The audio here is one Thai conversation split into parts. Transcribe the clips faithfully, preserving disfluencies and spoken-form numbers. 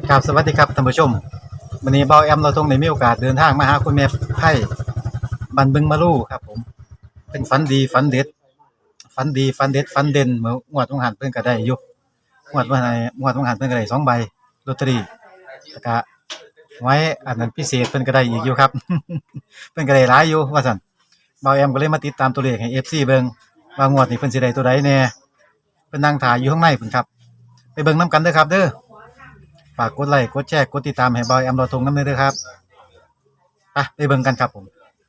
ครับสวัสดีครับท่านผู้ชมวันนี้เบาแอมเราตรงในมีโอกาสเดินทางมาหาคุณแม่ไพ่บันบึงมาลู่ครับผมเป็นฝันดีฝันเด็ดฝันดีฝันเด็ดฝันเด่นเมื่องวดต้องหันเพิ่นก็ได้อยู่งวดว่าไหนงวดต้องหันเพิ่นก็ได้สองใบลอตเตอรี่แล้วก็ไว้อันนั้นพิเศษเพิ่นก็ได้อีกอยู่ครับ เพิ่นก็ได้หลายอยู่ว่าซั่นเบาแอมก็เลยมาติดตามตัวเลขให้ เอฟ ซี เบิ่งว่างวดนี้เพิ่นสิได้ตัวใดแน่เพิ่นนั่งถ่ายอยู่ข้างในเพิ่นครับไปเบิ่งนํกันเด้อครับเด้อฝากกดไลค์กดแชร์กดติดตามให้เบาแอมเราทงนำเด้อครับไปไปเบิ่งกันครับผม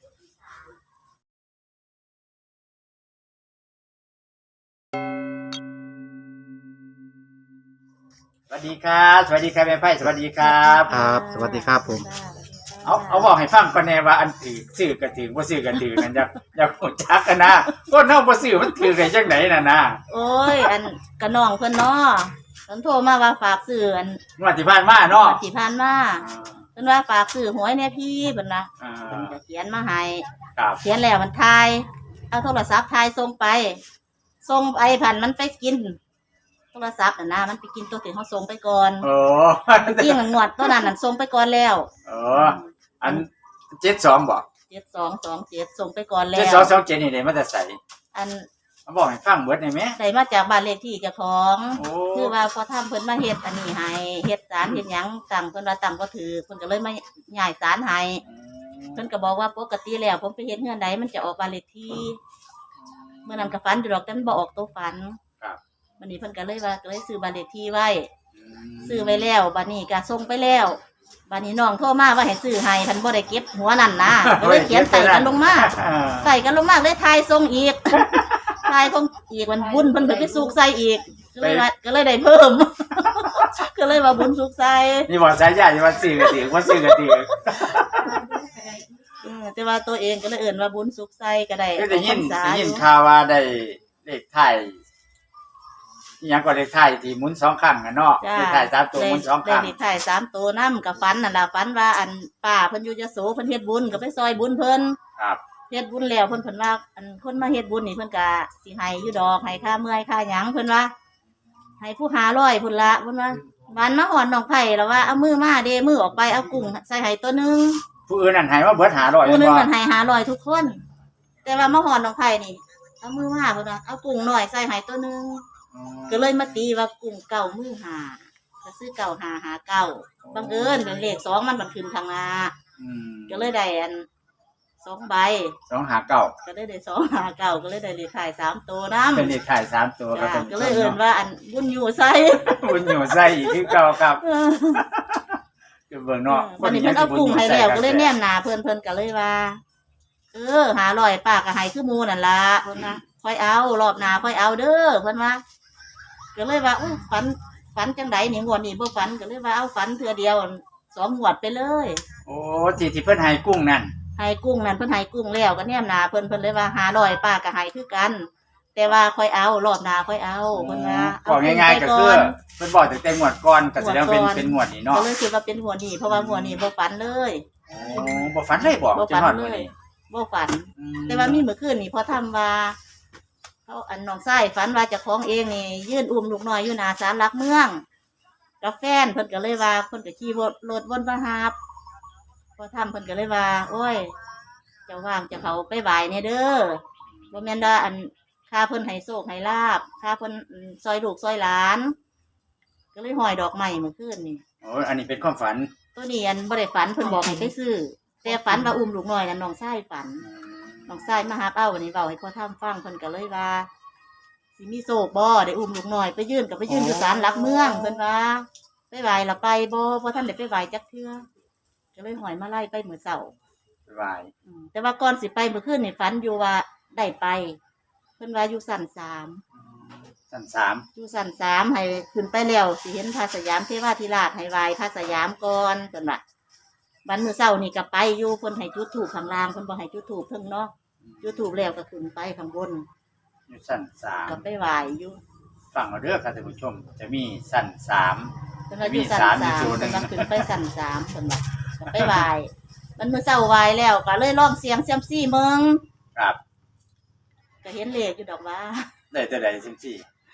สวัสดีครับสวัสดีครับแม่ไพ่สวัสดีครับครับสวัสดีครับผมเอาเอาบอกให้ฟังก่อนแน่ว่าอันถือซื้อกันถือบ่ซื้อกันถือนั่นอยากอยากรู้จักกันนะคนเฮาบ่ซื้อมันถือได้จังไดน่ะนะโอ้ยอันกระน้องเพิ่นเนาะเพิ่นโทรมาว่าฝากซื้ออันงวดที่ผ่านมาเนาะที่ผ่านมาเพิ่นว่าฝากซื้อหวยแน่พี่เพิ่นนะอ่าเพิ่นก็เขียนมาให้ครับเขียนแล้วมันทายเอาโทรศัพท์ทายส่งไปส่งไปผ่านมันไปกิน โทรศัพท์น่ะนะมันไปกินตัวที่เฮาส่งไปก่อนโอ้จริงๆงวดตัวนั้นน่ะส่งไปก่อนแล้วโอ้อันเจ็ดสองบ่เจ็ดสองสองเจ็ดส่งไปก่อนแล้เจ็ดวสองสองเจ็ดนี่ได้มาแต่ไสอันเอาบอกให้ฟังเบิดได้ไหมได้มาจากบ้านเลขที่เจ้าของโอ้คือว่าพอทำเพิ่นมาเฮ็ดอันนี้ให้เฮ็ดสารเฮ็ดหยังตั้งเพิ่นว่าตั้งบ่ถือเพิ่นก็เลยมาย้ายสารให้เพิ่นก็บอกว่าปกติแล้วผมไปเฮ็ดเฮือนใดมันจะออกบ้านเลขที่เมื่อนั้นก็ฝันอยู่ดอกแต่มันบ่ออกตัวฝันครับวันนี้เพิ่นก็เลยว่าก็เลยซื้อบ้านเลขที่ไว้ซื้อไว้แล้วบัดนี้ก็ส่งไปแล้วบัดนี้น้องโทรมาว่าให้ซื้อให้เพิ่นบ่ได้เก็บหัวนั่นนะก็เลยเขียนใส่กันลงมาใส่กันลงมาเลยทายส่งอีก ทายส่งอีกมันบุญเพิ่นไปสุกใส่อีกก็เลยว่าก็เลยได้เพิ่ม ก็เลยว่าบุญสุกใส่นี่บอกสายใหญ่ว่าซื้อกันถือว่าซื้อกันถือเออแต่ว่าตัวเองก็เลยเอิ่นว่าบุญสุกใส่ก็ได้ก็ได้ยินออกพรรษาได้อยินยู่ข่าวว่าได้เลขไทยอหยังก็เลขไทยที่หมุนสองครั้งอะเนาะจ้าเลขไทยสามตัวหมุนสองคได้รั้งเลขท้ายสามตัวนำกับฝันนั่นล่ะฝันว่าอันป้าเพิ่นอยู่ยโสเพิ่นเฮ็ดบุญก็ไปซอยบุญเพิ่นครับเฮ็ดบุญแล้วเพิ่นเพิ่นว่าอันคนมาเฮ็ดบุญนี่เพิ่นก็สิให้อยู่ดอกให้ค่าเมื่อยค่าหยังเพิ่นว่าให้ผู้หาร้อยพุ่นละเพิ่นว่าวันมาหอนน้องไผ่แล้วว่าเอามือมาเด้มือออกไปเอากุ้งใส่ให้ตัวหนึงผู้อื่นนั่นให้ว่าเบิดหาร้อยผู้หนึงบ่มันให้หาร้อยทุกคน แต่ว่ามาหอนน้องไผ่นี่เอามือมาเพิ่นว่าเอากุ้งหน่อยใส่ให้ตัวหนึงก็เลยมาตีว่ากุ้งเก่ามือหาก็ซื้อเก่าหาหาเก่าบังเอิญเป็นเลขสองมันบันขึ้นทางหน้าอืมก็เลยได้อันสองใบสองหาเก้าก็เลยได้สองหาเก่าก็เลยได้เลขท้ายสามตัวน้ำเป็นเลขไทยสามตัวก็จ้าเป็นก็เลยเอินว่าอันบุญอยู่ใส่บุญอยู่ใส่อีกคือเก่าครับคือเบิ่งเนาะวันนี้เพิ่นเอากุ้งให้แล้วก็เลยแนมหนาเพิ่นเพิ่นก็เลยว่า เออหาลอยปากก็ให้คือหมูนั่นล่ะเพิ่นว่าค่อยเอารอบหน้าค่อยเอาเด้อเพิ่นว่าก็เลยว่าอุ้ยฝันฝันจังไดนี่งวดนี้บ่ฝันก็เลยว่าเอาฝันเทื่อเดียวสองงวดไปเลยโอ้ที่ที่เพิ่นให้กุ้งนั่นให้กุ้งนั่นเพิ่นให้กุ้งแล้วก็แนมหนาเพิ่นเพิ่นเลยว่าหาลอยปากก็ให้คือกัน แต่ว่าค่อยเอารอบหน้าค่อยเอาเพิ่นว่าบอกง่ายๆก็คือเพิ่นบอกตั้งแต่งวดก่อนก็แสดงว่าเป็นงวดก่อนเป็นงวดนี้เนาะก็เลยคิดว่าเป็นหัวนี่เพราะว่าหัวนี่บ่ฝันเลยโอ้บ่ฝันเลยบ่บ่จนฝันฮอดเลมื้อย นี้บ่ฝันอืแต่ว่ามีเมื่อคืนนี่พอทำว่าเขาอันน้องไส้ฝันว่าเจะคล้าของเองนี่ยื่นอุ้มลูกน้อยอยู่หนาศาลหลักเมืองกับแฟนเพิ่นก็เลยว่าเพิ่นก็ขี่รถวนมาหาบพอทำเพิ่นก็เลยว่า โอ้ยเจะว่างเจะเขาไปไหวเนี่ยเด้อบ่แม่นว่าอันค่าเพิ่นให้โชคให้ลาบค่าเพิ่นซอยลูกซอยหลาน ก็เลยห้อยดอกไม้เมื่อคืนนี่โอ้อันนี้เป็นความฝันตัวนี้อันบ่ได้ฝันเพิ่นบอกให้ไปซื้อแต่ฝันว่าอุ้มลูกน้อยนั่นน้องไส้ฝัน น้องชายมาหาเป้าวันนี้เบาให้พ่อท่ามฟังเพิ่นก็เลยว่าสิมีโศกบ่ได้อุ้มลูกน้อยไปยื่นกับไปยื่นอยู่ศาลหลักเมืองเพิ่นว่าไปไหวละไปบ่เพราะท่านได้ไปไหวจักเทื่อก็เลยหอยมาไล่ไปมื้อเช้าสบายอืมแต่ว่าก่อนสิไปเมื่อคืนนี่ฝันอยู่ว่าได้ไป เพิ่นว่าอยู่ชั้นสามชั้นสามอยู่ชั้นสามให้ขึ้นไปแล้วสิเห็นพระสยามเทวาธิราชให้ไหวพระสยามก่อนเพิ่นว่าบัดมื้อเช้านี่ก็ไปอยู่เพิ่นให้จุดธูปข้างล่างเพิ่นบ่ให้จุดธูปเพิ่งเนาะจุดธูปแล้วก็ขึ้นไปข้างบนอยู่ชั้นสามก็ไปไหวอยู่ฟังเอาเด้อครับท่านผู้ชม จะมีชั้นสามเพิ่นว่าอยู่ชั้นมีสาสามมอยู่เพิ่นจุดหนึ่งว่าขึ้นไปชั้นสามเพิ่นว่าก็ไปไหวมันมื้อเช้าไหวแล้วก็เลยลองเสียงเซียมซี่เมืองครับก็เห็นเลขอยู่ดอกว่าได้แต่ใดสิบสี่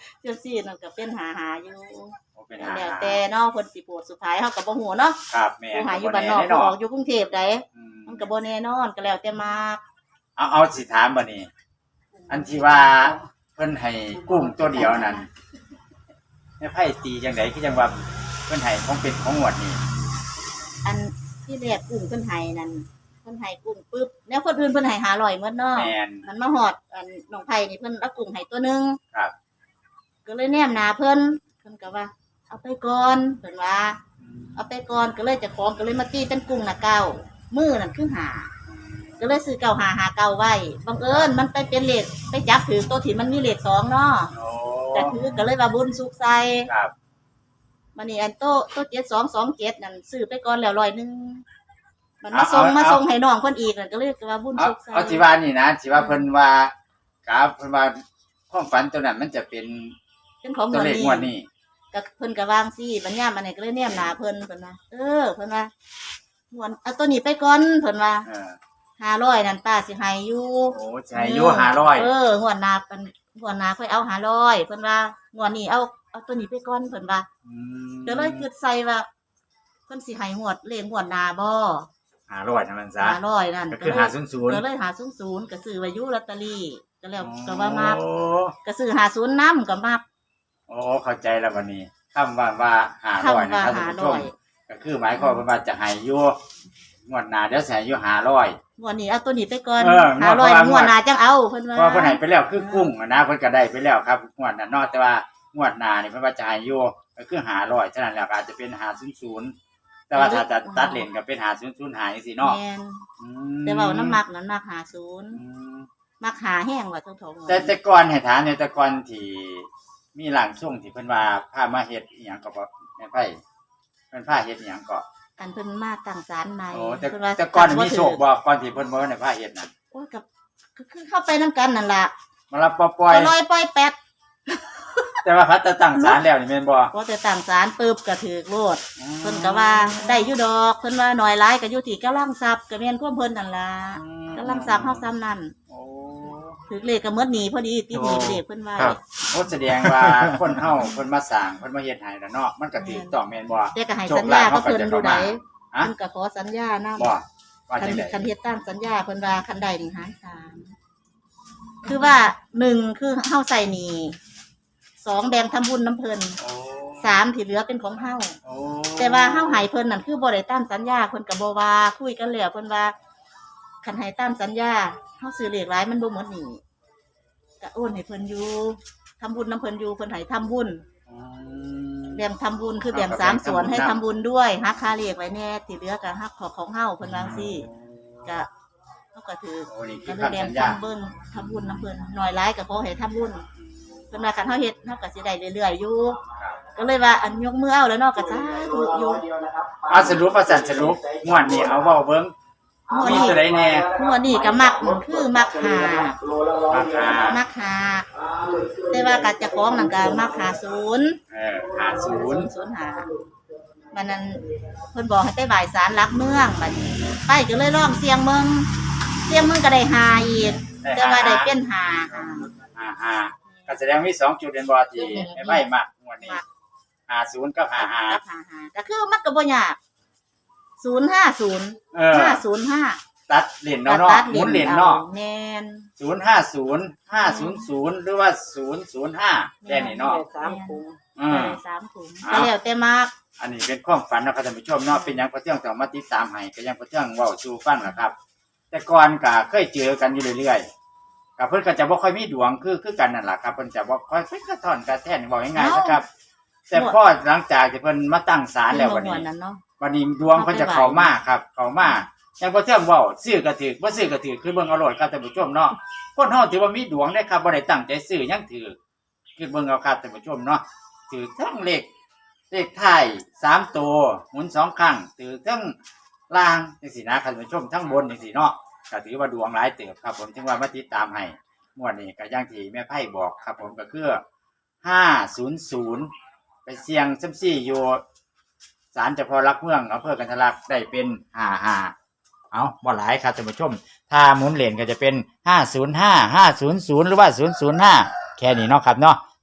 เจ้าซี่นั่นก็เป็นหาหาอยู่โอ้เป็นแล้วหาแต่เนาะเพิ่นสิโปรดสุดท้ายเฮาก็บ่ฮู้เนาะครับแม่ผู้หาอยู่บ้านนอกผู้ออกอยู่กรุงเทพใดอืมมันก็บ่แน่นอนก็แล้วแต่มากเอาเอาสิถามบัดนี้ อันที่ว่าเพิ่นให้กุ้งตัวเดียวนั่นแม่ไพ่ตีจังได๋คือจังว่าเพิ่นให้ของเป็นของงวดนี่อันที่แรกกุ้งเพิ่นให้นั่นเพิ่นให้กุ้งปึ๊บแล้วคนอื่นเพิ่นให้ห้าร้อยหมดเนาะแม่นมันมาฮอดอันน้องไผนี่เพิ่นเอากุ้งให้ตัวหนึงครับก็เลยแนมหน้าเพิ่นเพิ่นก็ว่า เอาไปก่อนเพิ่นว่า เอาไปก่อนก็เลยเจะของก็เลยมาตีเป็นกุ้งน่ะเก้ามือนั่นคือหาก็เลยซื้อเก้าหาหาเก้าไว้บังเอิญมันไปเป็นเลขไปจับถือตัวที่มันมีเลขสองเนาะโอ้แต่ถือก็เลยว่าบุญสุขใส่ครับมันนี่อันโตโตเจ็ดสองสองเจ็ดนั่นซื้อไปก่อนแล้วร้อยหนึงมันมาส่งมาส่งให้น้องเพิ่นอีกนั่นก็เลยว่าบุญเอาสุขใส่เอาที่ว่านี่นะที่ว่าเพิ่นว่ากราฟเพิ่นว่าความฝันตัวนั้นมันจะเป็นเป็นของตัวเงินเลขนี่งวดนี้ก็เพิ่นก็วางซี่บัญญามอันนี้ก็เลยแนมหน้าเพิ่นเพิ่นว่าเออเพิ่นว่าหวนเอาตัวนี้ไปก่อนเพิ่นว่าเออห้าร้อยนั่นป้าสิให้อยู่โอ้ใช่อยู่ห้าร้อยเอองวดหน้าเป็นงวดหน้าค่อยเอาห้าร้อยเพิ่นว่างวดนี้เอาเอาตัวนี้ไปก่อนเพิ่นว่าอืมก็เลยคิดใส่ว่าเพิ่นสิให้งวดเลขงวดหน้าบ่ห้าร้อยเท่านั้นซะห้าร้อยนั่นก็คือเลยห้าศูนย์ศูนย์ก็เลยหาศูนย์ศูนย์ก็ซื้อไว้อยู่ลอตเตอรี่ก็แล้วก็ว่ามักโอ้ก็ซื้อหาศูนย์นำก็มักโอ้เข้าใจแล้ววันนี้คำว่าว่าห้าคำร้อยว่านะครับท่านผู้ชมห้าร้อยก็คือหมายความว่าจะให้อยู่งวดหน้าเดี๋ยวสิให้อยู่ห้าร้อยงวดนี้เอาตัวนี้ไปก่อนเออห้าร้อยงวดงวดหน้าจังเอาเพิ่นว่าเพราะเพิ่นให้ไปแล้วคือกุ้งอะนะเพิ่นก็ได้ไปแล้วครับงวดนั้นเนาะแต่ว่างวดหน้านี่เพิ่นว่าจะให้อยู่ก็คือห้าร้อยฉะนั้นแล้วก็อาจจะเป็นห้าศูนย์ศูนย์แต่ว่าถ้าจะตัดเลนก็เป็นห้าศูนย์ศูนย์หาจังซี่เนาะแม่นอืมแต่ว่าน้ำมักนั้นมักหาศูนย์อืมมักหาแห้งว่าเท่าๆแต่แต่ก่อนให้ถามเนี่ยแต่ก่อนที่มีหลังช่วงที่เพิ่นว่าพามาเฮ็ดอีหยังก็บ่แม่นไผเพิ่นพาเฮ็ดอีหยังก็อันเพิ่นมาตั้งศาลใหม่โอ้แต่เพิ่นว่าแต่ก่อนมีโชคบ่ก่อนที่เพิ่นบ่ได้พาเฮ็ดน่ะโอ้ยกับก็คือเข้าไปนํกันนั่นล่ะมารับปล่อยก็ลอยปล่อยแป๊ดแต่ว่าพัดแต่ตั้งศาลแล้วนี่แม่นบ่พอแต่ตั้งศาลปึ๊บก็ถือโลดเพิ่นก็ว่าได้อยู่ดอกเพิ่นว่าน้อยหลายก็อยู่ที่กำลังทรัพย์ก็แม่นความเพิ่นนั่นล่ะกำลังทรัพย์เฮาซ้ำนั่นโอ้ถือเลขก็หมดหนี้พอดีติดหนี้เลขเพิ่นว่าครับโอ้แสดงว่าคนเฮาเพิ่นมาสร้างเพิ่นมาเฮ็ดให้แล้วเนาะมันก็ถูกต้องแม่นบ่แต่ก็ให้โชสัคญลาญาภก็เขาก็เพิ่นจะดูเข้าไดมาฮะเพิ่นก็ขอสัญญานำบ่ว่าคันจังได๋คันเฮ็ดตามสัญญาเพิ่นว่าคันใดนี่หารสามคือว่าหนึ่งคือเฮาใส่หนี้สองแบ่งทำบุญน้ำเพิ่นโอ้สามที่เหลือเป็นของเฮาโอ้แต่ว่าเฮาให้เพิ่นนั่นคือบ่ได้ตามสัญญาเพิ่นก็บ่ว่าคุยกันแล้วเพิ่นว่าคันให้ตามสัญญาเฮาซื้อเลขหลายมันบ่หมดหนี้ก็โอนให้เพิ่นอยู่ทำบุญน้ำเพิ่นอยู่เพิ่นให้ทำบุญอืมแบ่งทำบุญคือแบ่งสามส่วนให้ทำบุญด้วยหักค่าเลขไว้แน่ที่เหลือก็หักของของเฮาเพิ่นว่าจังซี่ก็เฮาก็ถือโอ้นี่คืก็อเลยแบ่คำงสัญญาทำเบิ่งทำบุญน้ำเพิ่นหน่อยหลายก็ขอให้ทำบุญเพิ่นว่าคันเฮาเฮ็ดเฮาก็สิได้เรื่อยๆอยู่ครับก็เลยว่าอันยกมือเอาแล้วเนาะก็สาธุอยู่เอาสรุปว่าสันสรุปงวดนี้เอาเว้าเบิ่งงวดมีนี้ตัวใดแน่งวดนี้ก็มักคือมักหาราคามักหาแต่ว่ากัดจะของนั่นก็มักหาศูนย์เออห้าศูนย์ศูนย์หามันนั้นเพิ่นบอกให้ไปบ่ายสารหลักเมืองบัดนี้ไปก็เลยลองเสียงเมืองเสียงเมืองก็ได้หาอีกแต่ว่าได้เป็นหาหาห้าห้าก็แสดงมีสองจุดเป็นบ่ที่ไม่ไม่มักงวดนี้ห้าศูนย์กับห้าห้ากับหาหาก็คือมันก็บ่ยากศูนย์ห้าศูนย์เออห้าศูนย์ห้าตัดเหรียญเนาะเนาะหมุนเหรียญเนาะแม่นศูนย์ห้าศูนย์ห้าศูนย์ศูนย์หรือว่าศูนย์ศูนย์ห้าแค่นี้เนาะสามถุงอืมสามถุงก็แล้วแต่มากอันนี้เป็นความฝันนะครับท่านผู้ชมเนาะเป็นหยังพระเที่ยงต้องมาติดตามให้ก็ยังพระเที่ยงเว้าสู่ฟังล่ะครับ แต่ก่อนก็เคยเจอกันอยู่เรื่อยๆกับเพิ่นก็จะบ่ค่อยมีดวงคือคือกันนั่นล่ะครับเพิ่นจะบ่ค่อยเป็นกระท่อนกระแท่นเว้าง่ายๆนะครับ แต่พอหลังจากที่เพิ่นมาตั้งศาลแล้ววันนี้นั้นเนาะวันนี้ดวงเพิ่นจะเข้ามาครับ เข้ามาอย่างพระเที่ยงเว้าซื้อก็ถือบ่ซื้อก็ถือคือเบิ่งเอาโลดครับท่านผู้ชมเนาะคนเฮาถือว่ามีดวงได้ครับบ่ได้ตั้งใจซื้อยังถือคือเบิ่งเอาครับท่านผู้ชมเนาะถือทั้งเลขเลขท้ายสามตัวหมุนสองครั้งถือทั้งล่างจังซี่นะท่านผู้ชมทั้งบนจังซี่เนาะก็ถือว่าดวงหลายเติบครับผมจึงว่ามาติดตามให้งวดนี้ก็อย่างที่แม่ไพ่บอกครับผมก็คือห้าศูนย์ศูนย์ไปเสี่ยงซัมซี่อยู่ศาลเจ้าพ่อรักเมืองอำเภอกันทะลักได้เป็นห้าห้าเอาบ่หลายครับท่านผู้ชมถ้าหมุนเหรียญก็จะเป็นห้าศูนย์ห้า ห้าศูนย์ศูนย์หรือว่าศูนย์ศูนย์ห้าแค่นี้เนาะครับเนาะ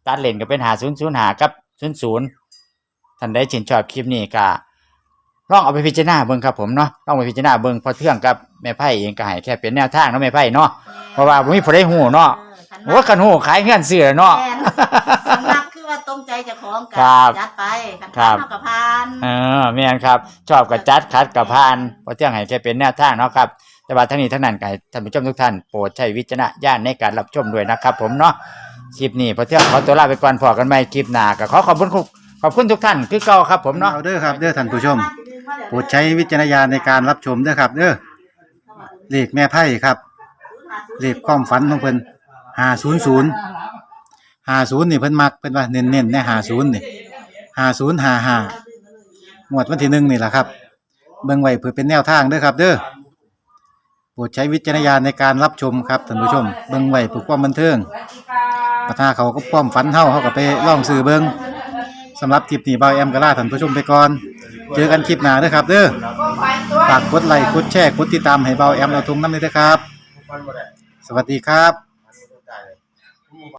ตัดเลนก็เป็นห้าศูนย์ศูนย์ห้ากับศูนย์ศูนย์ท่านใดชื่นชอบคลิปนี้ก็ลองเอาไปพิจารณาเบิ่งครับผมเนาะลองไปพิจารณาเบิ่งพอเทื่องกับแม่ไพ่เองก็ให้แค่เป็นแนวทางเนาะแม่ไพ่เนาะเพราะว่าบ่มีผู้ใดฮู้เนาะโอ้คันฮู้ขายเฮือนซื้อเนาะแม่นสำนักคือว่าตรงใจเจ้าของกัครับจัดไปคันครัทาบนเท่ากับพานเออแม่นครับชอบก็จัดคัดก็ผ่านพอเทื่องให้แค่เป็นแนวทางเนาะครับแต่ว่าทั้งนี้ทั้งนั้นก็ให้ท่านผู้ชมทุกท่านโปรดใช้วิจารณญาณในการรับชมด้วยนะครับผมเนาะคลิปนี้พอเทื่องขอตัวลาไปก่อนพอกันใหม่คลิปหน้าก็ขอขอบคุณขอบคุณทุกท่านคือเก่าครับผมเนาะเอาเด้อครับเด้อท่านผู้ชมโปรดใช้วิจารณญาณในการรับชมเด้อครับเด้อเลขแม่ไพ่ครับเลขความฝันของเพิ่นห้าศูนย์ศูนย์ห้าศูนย์นี่เพิ่นมักเพิ่นว่าเน้นๆในห้าศูนย์นี่ห้าศูนย์ห้าห้างวดวันที่หนึ่งนี่แหละครับเบิ่งไว้เพื่อเป็นแนวทางเด้อครับเด้อโปรดใช้วิจารณญาณในการรับชมครับท่านผู้ชมเบิ่งไว้เพื่อความบันเทิงปัญหาเขาก็ความฝันเฮาเฮาก็ไปลองซื้อเบิ่งสำหรับคลิปนี้เบาแอมก็ลาท่านผู้ชมไปก่อนเจอกันคลิปหน้าเด้อครับเด้อฝากกดไลค์กดแชร์กดติดตามให้เบาแอมเราทุงนำด้วยเด้อครับสวัสดีครับ